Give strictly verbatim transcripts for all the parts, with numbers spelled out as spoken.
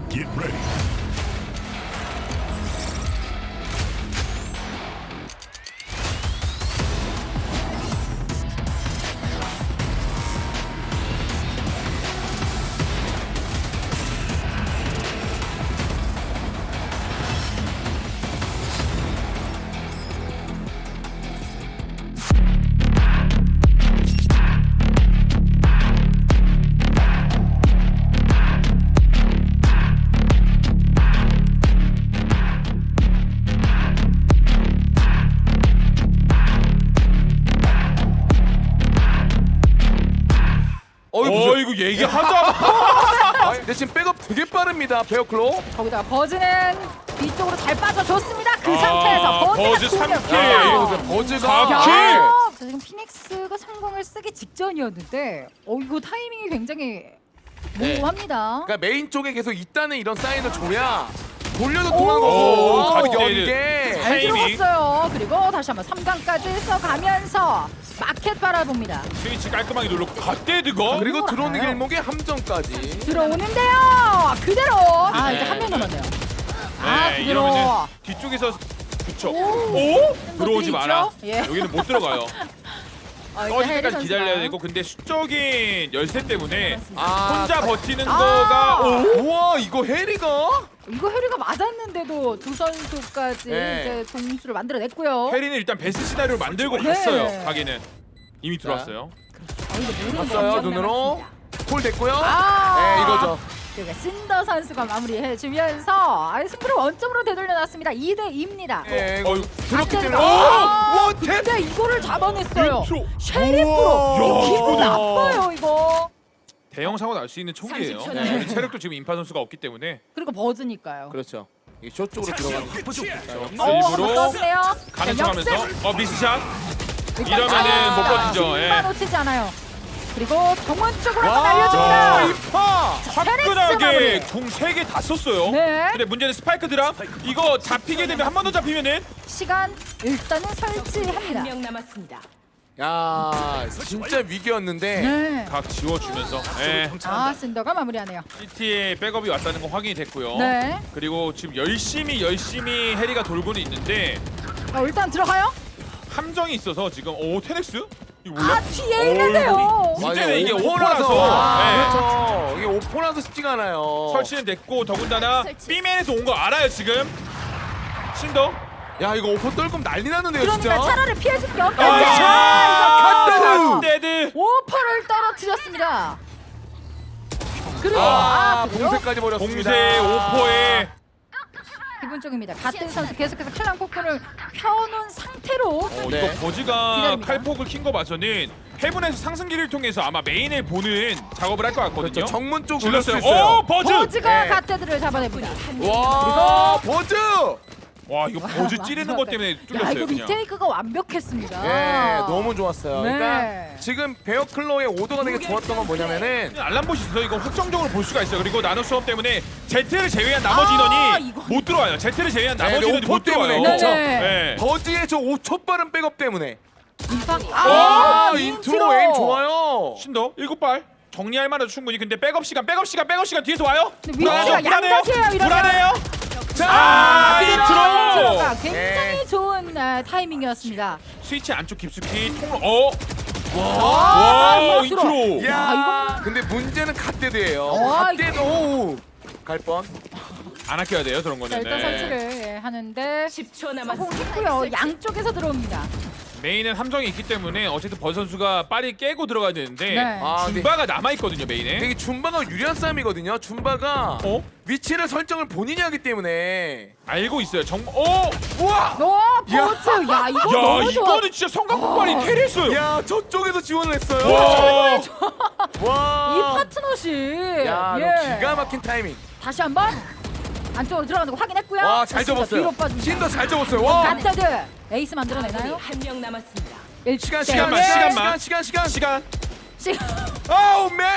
Get ready. 어 이거 얘기하다. 아, 근데 지금 백업 되게 빠릅니다. 베어클로. 거기다가 버즈는 뒤쪽으로 잘 빠져줬습니다. 그 아, 상태에서 버즈가 버즈 삼 공격. 킬. 야, 이거 야, 보세요. 버즈가 사 킬. 자, 지금 피닉스가 성공을 쓰기 직전이었는데 어 이거 타이밍이 굉장히 네. 모호합니다. 그러니까 메인 쪽에 계속 있다는 이런 사인을 줘야 돌려도 오, 통하고 갑자기 연계. 잘 타이밍. 들어갔어요. 그리고 다시 한번 삼 강까지 써가면서 마켓 바라봅니다. 스위치 깔끔하게 눌렀고 갓데드가 그리고 들어오는 알아요. 길목에 함정까지. 들어오는데요. 그대로. 아 이제 네. 한 명 남았네요. 아 네, 그대로. 이러면은 뒤쪽에서 그쵸. 오. 오? 들어오지 것들이 마라. 있죠? 예. 여기는 못 들어가요. 어, 이제 꺼질 해리 때까지 기다려야 선수가. 되고 근데 수적인 열쇠 때문에 아, 혼자 버티는 아. 거가 오? 우와 이거 해리가? 이거 해리가 맞았는데도 두 선수까지 네. 이제 동수를 만들어냈고요. 해리는 일단 베스트 시나리오를 만들고 네. 갔어요. 가게는 이미 들어왔어요. 아, 이거 모르는 봤어요 거 눈으로. 남았습니다. 콜 됐고요. 아. 네 이거죠. 그러니까 신더 선수가 마무리해주면서 아, 승부를 원점으로 되돌려놨습니다. 이 대 이입니다. 네, 이거 어이, 들었기 안 때문에. 된다. 오! 아, 원탭! 근데 이거를 잡아냈어요. 인트로. 쉐리프로. 우와. 기분 야. 나빠요 이거. 대형 사고 날 수 있는 총기예요. 삼십 초 네. 내에. 체력도 지금 인파 선수가 없기 때문에 그리고 버즈니까요. 그렇죠. 이게 쇼 쪽으로 들어가는 게 어, 일부러 한번 써주네요. 가는 자, 척하면서 역습. 어 미스샷. 일단 이러면은 못 아, 버티죠. 예. 중반 놓치지 않아요. 그리고 정원 쪽으로 한번 와, 날려줍니다. 이파! 화끈하게 마무리. 궁 세 개 다 썼어요. 네. 근데 문제는 스파이크 드랍. 이거 잡히게 되면 한 번 더 잡히면은 시간 일단은 설치합니다. 한 명 남았습니다. 야 진짜 위기였는데. 네. 각 지워주면서 예. 아 신더가 마무리하네요. 씨티에 백업이 왔다는 거 확인이 됐고요. 네. 그리고 지금 열심히 열심히 해리가 돌고는 있는데 어, 일단 들어가요. 함정이 있어서 지금 오 테넥스? 이거 몰라? 아 뒤에 있는데요. 문제는 이게 오포라서. 오포라서. 아, 네. 그렇죠. 이게 오포라서 쉽지가 않아요. 설치는 됐고 더군다나 설치. B맨에서 온 거 알아요 지금. 신더. 야 이거 오포 떨금 난리 나는데요 그러니까 진짜. 차라리 피해줄 게 없겠지. 아, 갓데드! 갓데드. 오퍼를 떨어뜨렸습니다. 그리고 아, 아, 그리고 봉쇄까지 버렸습니다. 공세 오퍼에 기분 쪽입니다. 같은 선수 계속해서 칼랑 포크를 펴놓은 상태로 어, 네. 이거 버즈가 기다립니다. 칼폭을 킨 거 봐서는 헤븐에서 상승기를 통해서 아마 메인을 보는 작업을 할 것 같거든요. 그렇죠. 정문 쪽 질렀어요. 올렸을 수 있어요. 오 버즈. 버즈가 네. 갓데드를 잡아냅니다. 와 버즈. 와 이거 버즈 와, 찌르는 맞아. 것 때문에 야 뚫렸어요 이거 그냥. 리테이크가 완벽했습니다. 네 너무 좋았어요. 네. 그러니까 지금 베어클로의 오더가 되게 좋았던 건 뭐냐면은 알람봇이 있어서 이거 확정적으로 볼 수가 있어요. 그리고 나노 수업 때문에 제트를 제외한 나머지 아, 인원이 이거. 못 들어와요. 제트를 제외한 네, 나머지 네, 인원이 오퍼 못 들어와요. 때문에, 그렇죠. 네. 버즈의 저 오 초 빠른 백업 때문에. 임팍. 아, 아 인트로 에임 좋아요. 신더 일곱 발 정리할 만해도 충분히. 근데 백업 시간, 백업 시간, 백업 시간 뒤에서 와요. 근데 위치가 불안해요. 양각이에요, 이러면. 불안해요. 자, 아, 인트로가 인트로. 굉장히 네. 좋은 아, 타이밍이었습니다. 스위치 안쪽 깊숙이 통로. 어. 아, 와, 인트로. 인트로. 야, 아, 근데 문제는 갓데드예요. 와, 갓데드 오. 갈 뻔. 안 아껴야 돼요 그런 자, 거는. 일단 네. 설치를 예, 하는데 십 초 남았습니다. 성공했고요. 양쪽에서 들어옵니다. 메인은 함정이 있기 때문에 어쨌든 버 선수가 빨리 깨고 들어가야 되는데 네. 아, 근데 준바가 남아 있거든요 메인에. 되게 줌바가 유리한 싸움이거든요. 줌바가 어? 위치를 설정을 본인이 하기 때문에. 알고 있어요. 정. 어. 우와! 어, 버즈. 야, 이거 야 너무 좋아. 이거는 진짜 성광폭발이 캐리했어요. 야, 저쪽에서 지원을 했어요. 와. 와. 이 파트너십. 야, 예. 너 기가 막힌 타이밍. 다시 한번 안쪽으로 들어가는 거 확인했고요. 와, 잘 신더 접었어요. 뒤로 빠집니다. 신더 잘 접었어요. 와. 갓데드 에이스 만들어내나요? 한 명 남았습니다. 일 시간 대 시간만 일. 시간만. 시간 시간 시간 시간 시간. 아우 맨.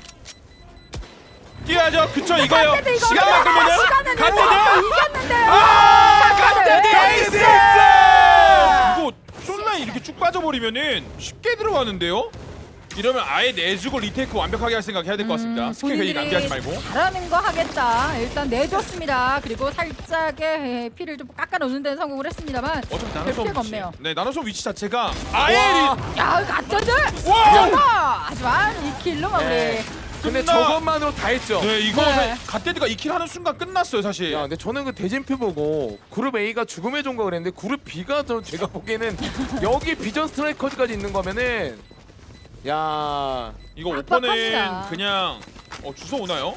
뛰어야죠. 그쵸 이거요. 갓데드 이거 시간만 끌면은 시간은 갓데드. 이겼는데요. 아, 갓데드 에이스! 이거 숏라인 이렇게 쭉 빠져버리면은 쉽게 들어가는데요. 이러면 아예 내주고 리테이크 완벽하게 할 생각 해야 될 것 같습니다. 음, 스킬 괜히 낭비하지 말고. 잘하는 거 하겠다. 일단 내줬습니다. 그리고 살짝의 예, 피를 좀 깎아놓는 데는 성공을 했습니다만 어차피 별 나노솜 피해가 위치. 없네요. 네, 나노솜 위치 자체가 아예 와. 리... 야, 갓전들! 와! 하지만 이 킬로 마무리. 네. 근데 끝나- 저것만으로 다 했죠. 네, 이거 네. 갓데드가 이 킬 하는 순간 끝났어요, 사실. 야, 근데 저는 그 대진표 보고 그룹 A가 죽음의 종가 그랬는데 그룹 B가 저 제가 보기에는 여기 비전 스트라이커즈까지 있는 거면은 야 이거 빡빡합니다. 오퍼는 그냥 어, 주워 오나요?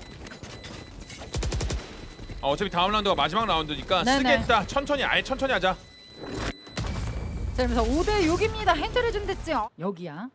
아, 어차피 다음 라운드가 마지막 라운드니까 네네. 쓰겠다. 천천히 아예 천천히 하자. 자, 그래서 오 대 육입니다. 힌트를 좀 됐지. 여기야.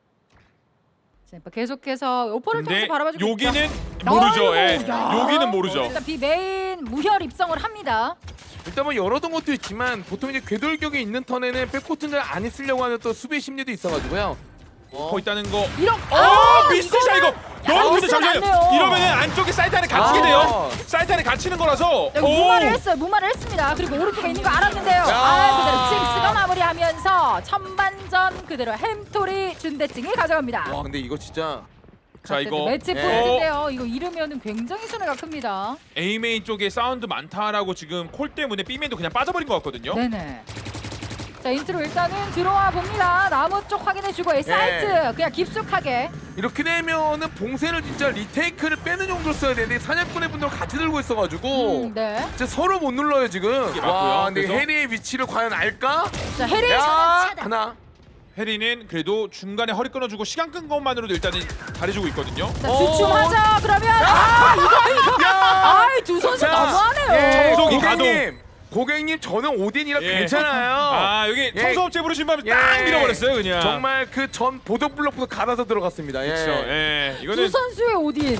자, 계속해서 오퍼를 근데 통해서 바라봐주고 있죠. 여기는 모르죠. 예. 아이고, 야. 여기는 모르죠. 일단 B 메인 무혈 입성을 합니다. 일단 뭐 열어둔 것도 있지만 보통 이제 궤돌격이 있는 턴에는 백코트는 잘 안 쓰려고 하는 또 수비 심리도 있어가지고요. 거 있다는 거. 이런 어, 미스샷 이거. 너무 근데 미스가 잠시만요. 났네요. 이러면은 안쪽에 사이트 안에 갇히게 아. 돼요. 사이트 안에 갇히는 거라서. 여기 무마를 했어요. 무마를 했습니다. 그리고 오른쪽에 있는 거 알았는데요. 야. 아, 그대로 징스가 마무리하면서 천반전 그대로 햄토리 준대증이 가져갑니다. 와 근데 이거 진짜 자, 이거 매치 예. 포인트인데요. 이거 잃으면은 굉장히 손해가 큽니다. A 메인 쪽에 사운드 많다라고 지금 콜 때문에 B 메인도 그냥 빠져버린 것 같거든요. 네네. 자, 인트로 일단은 들어와 봅니다. 나무 쪽 확인해주고 예. 사이트 그냥 깊숙하게. 이렇게 되면은 봉쇄를 진짜 리테이크를 빼는 정도로 써야 되는데 사냥꾼의 분들 같이 들고 있어가지고 음, 네. 진짜 서로 못 눌러요 지금. 이게 맞고요. 와 근데 그래서- 해리의 위치를 과연 알까? 자, 해리 야 차단. 하나. 해리는 그래도 중간에 허리 끊어주고 시간 끈 것만으로도 일단은 잘해주고 있거든요. 자, 어. 주춤하자. 그러면 아, 이거 이거. 야! 아이, 두 선수 자, 너무하네요. 예, 청소기 고객님, 고객님 저는 오딘이라 예. 괜찮아요. 아, 여기 예. 청소업체 부르신 밤에 예. 딱 밀어버렸어요, 그냥. 정말 그 전 보도 블록부터 갈아서 들어갔습니다. 예. 그렇죠. 예. 두 이거는 선수의 오딘.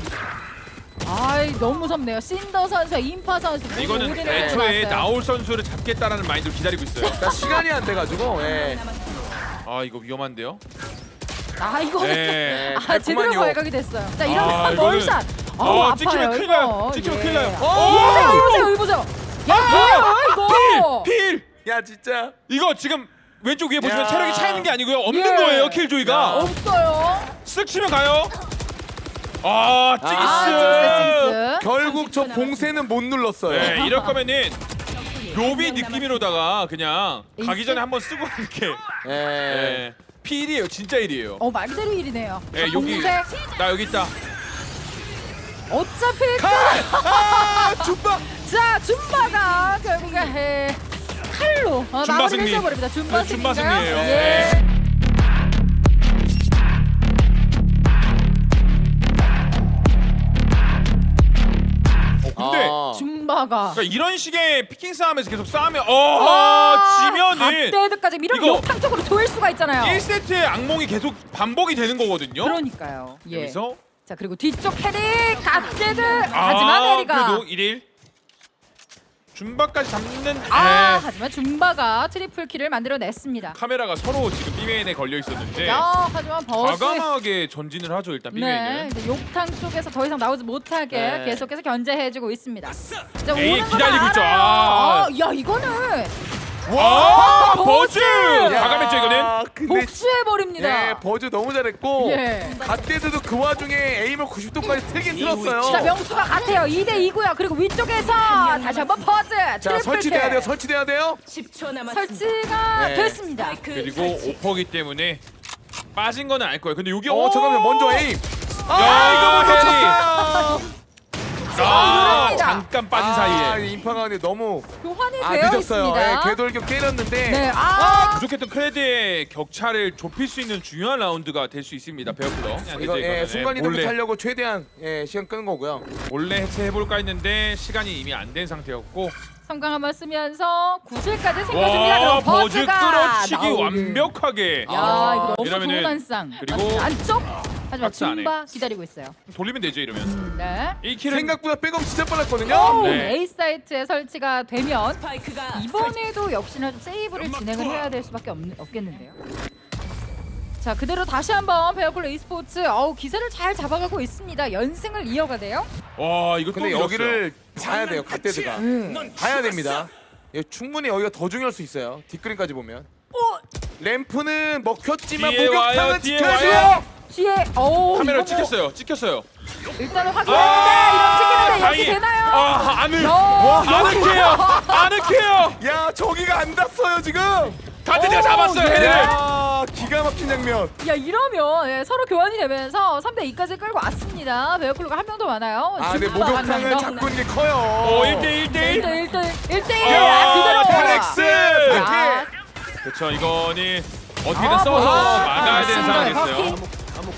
아이, 너무 무섭네요. 신더 선수와 인파 선수. 모두 이거는 오딘을 애초에 가져갔어요. 나올 선수를 잡겠다라는 마인드로 기다리고 있어요. 자, 시간이 안 돼가지고. 예. 아, 이거 위험한데요. 아, 이거는 예. 아, 제대로 달콤한요. 발각이 됐어요. 자, 이러면 아, 이거는- 멀샷. 아, 아우, 찍히면 아파요, 큰일 이거. 나요. 찍히면 큰일 나요. 예. 오! 이거 보세요, 이거 보세요, 이거 보세요. 야, 뭐야, 이거. 필! 필! 야 진짜. 이거 지금 왼쪽 위에 보시면 야. 체력이 차 있는 게 아니고요. 없는 예. 거예요, 킬조이가. 없어요. 쓱 치면 가요. 아, 아, 찡스. 징스. 결국 저 봉쇄는 못 눌렀어요. 네, 이럴 거면은 로비 느낌으로다가 그냥 가기 에이스? 전에 한번 쓰고 이렇게. 예. 예. 필이에요, 진짜 일이에요. 어, 말 그대로 일이네요. 예, 자, 여기 공색. 나 여기 있다. 어차피 아, 줌바. 자, 줌바가 결국에 해. 칼로 어, 줌바 마무리를 승리. 해버립니다. 줌바 네, 줌바 승리인가요? 승리예요. 예. 네. 어, 근데 아. 줌바가 그러니까 이런 식의 피킹 싸움에서 계속 싸우면 어 지면은 갓데드까지 이런 이거- 욕탕 쪽으로 조일 수가 있잖아요. 일 세트의 악몽이 계속 반복이 되는 거거든요. 그러니까요. 예. 여기서 자, 그리고 뒤쪽 헤리 갓데드. 아, 하지만 헤리가 그래도 일 일 줌바까지 잡는 아, 에, 하지만 줌바가 트리플 킬을 만들어냈습니다. 카메라가 서로 지금 B메인에 걸려 있었는데 야, 하지만 버스 과감하게 전진을 하죠 일단 네, B메인은. 이제 욕탕 쪽에서 더 이상 나오지 못하게 네. 계속해서 견제해주고 있습니다. 자, 에이, 오는 거 기다리고 있죠. 알아요. 아. 아, 야, 이거는 와 버즈! 버즈 과감했죠 이거는. 야, 근데 복수해버립니다. 예, 버즈 너무 잘했고 예. 갓데드도 그 와중에 에임을 구십 도까지 틀긴 틀었어요. 자, 명수가 같아요. 이 대 이고요. 그리고 위쪽에서 다시 한번 퍼즈 자, 트리플 설치돼야 킬. 돼요. 설치돼야 돼요. 십 초 남았습니다. 설치가 네. 됐습니다. 스파이크 그리고 설치. 오퍼기 때문에 빠진 거는 알 거예요. 근데 여기 어, 잠깐만 먼저 에임. 야, 아, 이거 헤리. 먼저 쳤어요. 아 누릅니다. 잠깐 빠진 아, 사이에 인파가 근데 너무 교환이 아 되어 늦었어요. 있습니다. 예, 궤돌격 때렸는데. 네, 아, 아, 부족했던 크레드의 격차를 좁힐 수 있는 중요한 라운드가 될 수 있습니다. 베어클러. 이거 예, 순간 이동 몰래, 하려고 최대한 예, 시간 끄는 거고요. 몰래 해체해볼까 했는데 시간이 이미 안 된 상태였고 성강 한번 쓰면서 구슬까지 생겨줍니다. 와 그럼 버즈 버즈가 끌어치기 나오는. 완벽하게 야, 아, 이거 너무 이러면은 좋은 한상. 그리고 안쪽. 하지만 박스 안에. 줌바 기다리고 있어요. 돌리면 되죠 이러면. 음, 네. 이 킬은 생각보다 백업 진짜 빨랐거든요. 오, 네. A 사이트에 설치가 되면 스파이크가 이번에도 역시나 좀 세이브를 진행을 해야 될 수밖에 없, 없겠는데요. 자, 그대로 다시 한번 베어클로 e스포츠 어우, 기세를 잘 잡아가고 있습니다. 연승을 이어가대요. 와 이거 또 근데 밀었어요. 여기를 봐야 돼요. 갓데드가. 음. 봐야 됩니다. 예, 충분히 여기가 더 중요할 수 있어요. 뒷그림까지 보면. 램프는 먹혔지만 뒤에 와요, 목욕탕은 뒤에 지켜야죠. 와요. 뒤에 오 카메라 이거 뭐 찍혔어요. 찍혔어요. 일단은 확인했는데 이런 찍히는데 이렇게 다행히. 되나요? 아, 안을 와, 아늑해요. 아늑해요. 야 저기가 안 닿았어요 지금. 다드디어 오, 잡았어요. 예. 헤리를. 야 기가 막힌 장면. 야 이러면 예, 서로 교환이 되면서 삼 대 이까지 끌고 왔습니다. 베어클로가 한 명 더 많아요. 아 근데 준바 한 목욕탕을 명 더. 잡고 있는 게 커요. 오, 일 대 일 대 일 일. 대 일 대 일 대 일 아, 그대로 페렉스. 야, 그렇죠. 이거는 어떻게든 아, 써서 아, 막아야 되는 맞습니다. 상황이었어요. 버킹.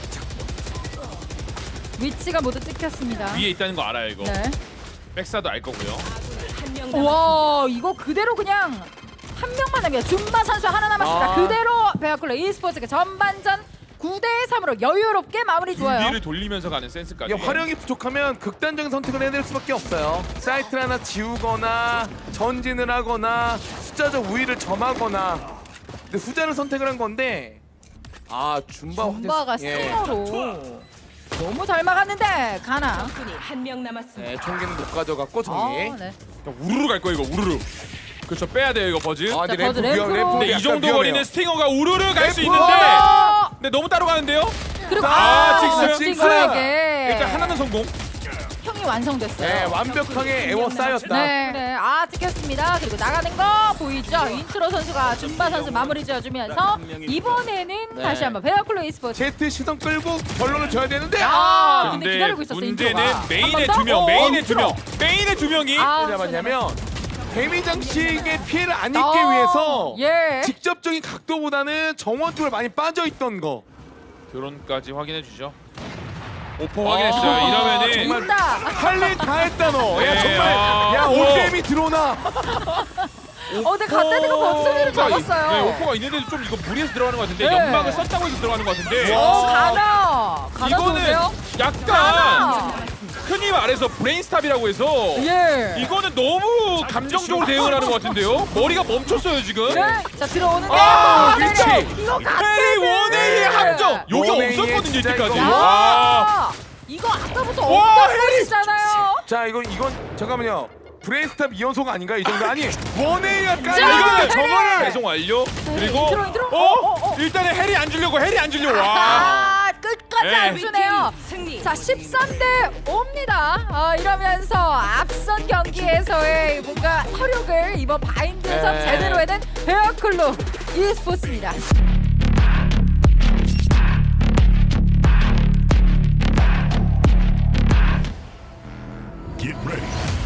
위치가 모두 찍혔습니다. 위에 있다는 거 알아요, 이거. 네. 백사도 알 거고요. 한 명 남았습니다. 와 이거 그대로 그냥 한 명만 남겨. 준바 선수 하나 남았습니다. 아. 그대로 베어클로 e스포츠가 전반전 구 대 삼으로 여유롭게 마무리 좋아요. 준비를 돌리면서 가는 센스까지. 이게 활용이 부족하면 극단적인 선택을 해야 될 수밖에 없어요. 사이트를 하나 지우거나 전진을 하거나 숫자적 우위를 점하거나. 근데 후자를 선택을 한 건데 아 줌바 준바가 화제- 예. 스팅어로 너무 잘 막았는데 가나. 적군이 한 명 남았습니다. 네, 총기는 못 가져갔고 아, 정리. 네. 우르르 갈 거예요, 이거 우르르. 그렇죠. 빼야 돼요, 이거 버즈. 아 근데 자, 램프 버즈 위험, 램프로. 램프 근데 이 약간 정도 위험해요. 거리는 스팅어가 우르르 갈 수 램프! 있는데. 어! 근데 너무 따로 가는데요? 그리고 아, 아, 직스, 직스. 스팅어에게 일단 하나는 성공. 형이 완성됐어요. 네, 완벽하게 에워 쌓였다. 네, 네, 아 찍혔습니다. 그리고 나가는 거 보이죠? 인트로 선수가 준바 선수 마무리 지어주면서 이번에는 네. 다시 한번 베어클로 e스포츠. 제트 시선 끌고 결론을 줘야 되는데 아, 아! 근데 기다리고 있었어 문제는 인트로가. 메인에 한번 더? 두 명, 어, 메인에 두 인트로. 명, 메인에 두 명이 아, 왜 잡았냐면 데미 장식의 피해를 안 입기 어, 위해서 예. 직접적인 각도보다는 정원 쪽으로 많이 빠져 있던 거. 드론까지 확인해 주죠. 오퍼 확인했어요. 아, 이러면은 정말 있다. 할 일 다 했다 너. 야 네, 정말 아, 야 우와. 오템이 들어오나. 어, 근데 갓데드가 버튼을 오퍼가 있- 잡았어요. 네, 오퍼가 있는데도 좀 이거 무리해서 들어가는 것 같은데 네. 연막을 썼다고 해서 들어가는 것 같은데. 어, 가나. 가나 이거는 좋은데요? 약간 가나. 흔히 말해서 브레인스탑이라고 해서 예. 이거는 너무 감정적으로 대응을 하는 것 같은데요. 머리가 멈췄어요 지금. 네. 자 들어오는데 아, 네, 그렇지. 네. 이거 헤이 갓데드. 원웨이의 함정. 여기 원웨이의 없었거든요 진짜 이때까지. 이거. 와. 아, 이거 아까부터 와, 없던 것이잖아요. 자 이건 이건 잠깐만요. 브레인스탑 이연속 아닌가 이 정도 아니 원웨이가 자, 깔리는데 이거는 저거를 배송 완료. 그리고 인트로, 인트로. 어? 어, 어, 어. 일단은 해리 안 주려고 해리 안 주려고. 와. 아, 끝까지 네. 안 주네요. 승리. 자, 십삼 대 오입니다. 아, 이러면서 앞선 경기에서의 뭔가 혈육을 이번 바인드에서 네. 제대로 해낸 베어클로 e스포츠입니다. Get ready.